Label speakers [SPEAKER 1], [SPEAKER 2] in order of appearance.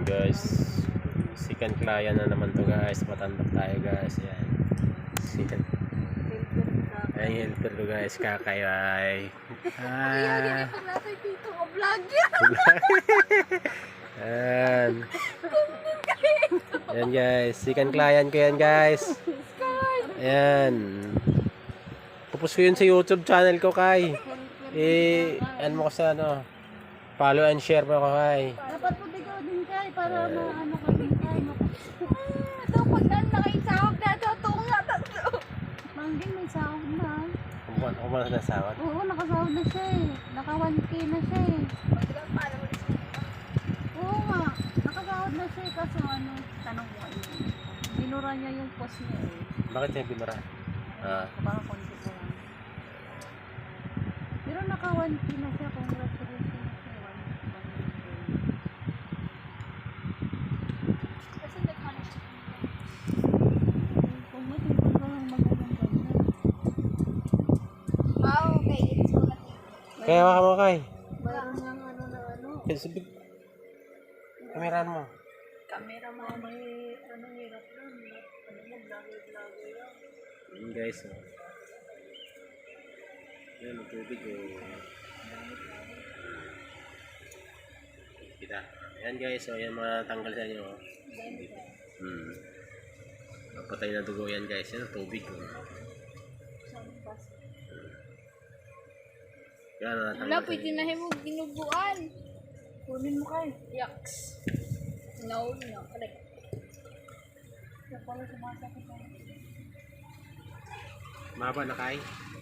[SPEAKER 1] guys, second client na naman to guys. Matandap tayo guys. Yan. Ayan yung helper to guys. Kakayay.
[SPEAKER 2] Kaya pag nasa dito ka vlog yan.
[SPEAKER 1] Ayan. Ayan guys. Second client ko yan guys. Ayan. Pupus ko yun sa YouTube channel ko kay. Ano mo ko sa ano. Follow and share mo ko kay.
[SPEAKER 2] Dapat po bigaw din kay para maano ka din kay. Dapat na nakaisahog na ito. Tunga tatlo. Mangging may sahog na.
[SPEAKER 1] Ako ba nasawat?
[SPEAKER 2] Oo, nakasahog na siya eh. Naka 1K na siya eh. Oo nga. Nakasahog na siya eh. Kaso ano, tanong mo eh. Binura niya yung post niya eh.
[SPEAKER 1] Bakit niya binura?
[SPEAKER 2] Baka konti ko lang. Pero naka 1K na siya. Congratulations na siya. 1K. Kung matipon ka lang magandang ganyan. Okay.
[SPEAKER 1] Kaya waka mo kay.
[SPEAKER 2] Mayroon lang ano na ano.
[SPEAKER 1] Kameran mo.
[SPEAKER 2] Camera mo may ano hirap lang. Ano mo, vlogger lang.
[SPEAKER 1] Ayan guys. Ayan, ang tubig kita. Ayan guys. Ayan mga tanggal sa inyo. Patay na dugo yan guys. Yan ang tubig. Yan ang
[SPEAKER 3] Wala, pwede na mo ginubuan.
[SPEAKER 2] Kunin mo kayo.
[SPEAKER 3] Yucks. No. Correct.
[SPEAKER 2] Kaya pala sumasakit ako.
[SPEAKER 1] Maba na kay.